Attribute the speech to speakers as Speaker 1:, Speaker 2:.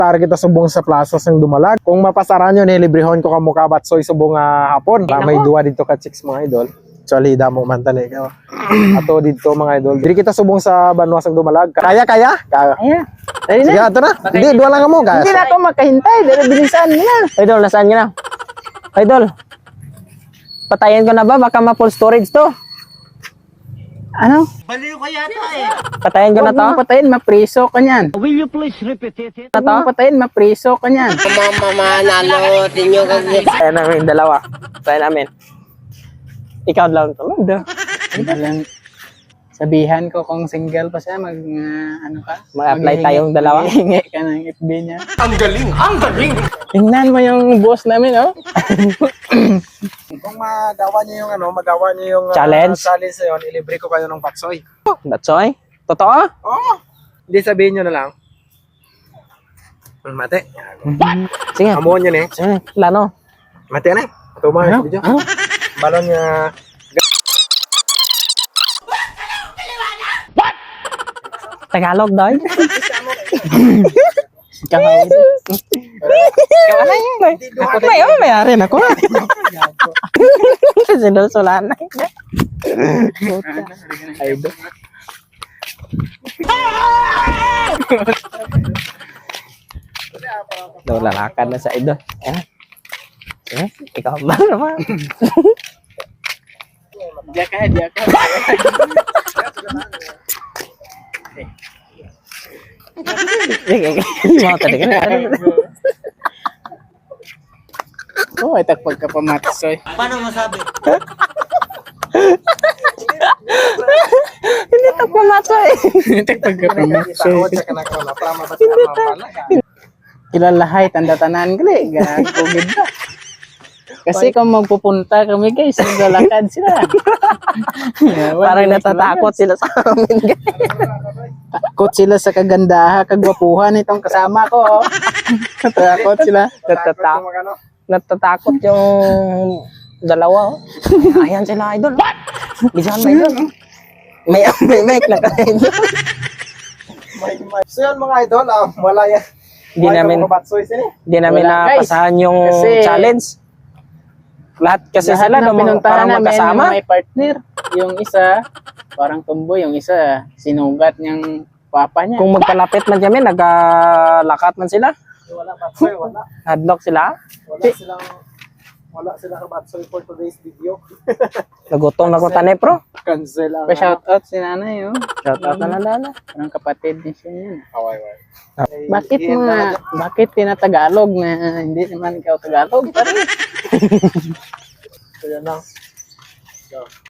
Speaker 1: Target kita subong sa plaza ng Dumalag. Kung mapasaran nyo, nilibrihon ko kamukha batsoy subong hapon. May duwa dito ka chicks mga idol. Actually, damo man tani ka. Ato dito mga idol. Diri kita subong sa Banwas ng Dumalag. Kaya.
Speaker 2: Kaya. Dali
Speaker 1: Sige,
Speaker 2: na.
Speaker 1: ato na. Hindi, duwa lang mo. Kaya.
Speaker 2: Hindi na ako makahintay. Dali, bilisan mo na. Idol, nasaan ka na? Idol. Patayin ko na ba? Baka ma-full storage to. Ano?
Speaker 3: Baliw ka yata eh.
Speaker 2: Patayin ko na to?
Speaker 4: Patayin, mapriso ka niyan.
Speaker 3: Will you please repeat it?
Speaker 4: Patayin, mapriso ka niyan.
Speaker 3: Manalo, tinyo kasi.
Speaker 2: Patayin namin, dalawa. Patayin namin. Ikaw lang to.
Speaker 4: Walang sabihan ko kung single pa siya, ano ka?
Speaker 2: Mag-apply tayong dalawa.
Speaker 4: Hingi ka ng FB niya.
Speaker 3: Ang galing! Ang galing!
Speaker 4: Tingnan mo yung boss namin, oh.
Speaker 1: Kung magawa niyo yung magawa niyo yung
Speaker 2: Challenge?
Speaker 1: challenge na yun, ilibre ko kayo ng batsoy.
Speaker 2: Batsoy? Totoo?
Speaker 1: Oo. Hindi sabihin nyo na lang. Mate.
Speaker 2: Sige.
Speaker 1: Amuhan nyo na eh.
Speaker 2: Sige, plano.
Speaker 1: Mate na eh. Ito mga sa video. Balon niya.
Speaker 2: Tagalog daw.
Speaker 4: Kakawin.
Speaker 2: Mayari na ko. Sinusulan na.
Speaker 4: Ay, ba?
Speaker 2: Lalakad na sa idol. Sige, ikaw ba naman?
Speaker 4: Diya ka.
Speaker 2: Sige, mau tadi kan.
Speaker 4: Oh, ay takpag ka pa matsoy.
Speaker 3: Paano masabi?
Speaker 2: Hindi to pumatay.
Speaker 4: Takpag ka pa matsoy.
Speaker 1: Hindi.
Speaker 4: Kilalahay, tanda-tanan gali. Gagugid na. Kasi kung magpupunta kami guys, naglalakad sila.
Speaker 2: Parang natatakot sila sa amin.
Speaker 4: Takot sila sa kagandahan, kagwapuhan itong kasama ko. Oh. Takot sila.
Speaker 2: Natatakot yung dalawa. Ayan sila idol. Bisahan ba idol? May mic na ka idol.
Speaker 1: So yun mga idol, wala yan.
Speaker 2: Di namin
Speaker 4: Wala, guys.
Speaker 2: napasahan yung
Speaker 4: Kasi-
Speaker 2: challenge. Lahat kasi
Speaker 4: Lahat
Speaker 2: sila
Speaker 4: na pinuntahan
Speaker 2: parang
Speaker 4: namin
Speaker 2: magkasama.
Speaker 4: may partner. Yung isa, parang tumboy. Yung isa, sinugat niyang papa niya.
Speaker 2: Kung magkalapit man kami, naglakat man sila.
Speaker 1: Wala batsoy, wala.
Speaker 2: Hadlock sila.
Speaker 1: Wala silang batsoy for today's video.
Speaker 2: Nagutong na ko tanay pro.
Speaker 1: Cancel ang
Speaker 4: Pa-shout out si nanay, oh.
Speaker 2: Shout out na nalala.
Speaker 4: Parang kapatid din siya yan.
Speaker 1: Ay,
Speaker 4: Bakit tinatagalog na hindi naman ikaw Tagalog?
Speaker 1: So yan lang. So,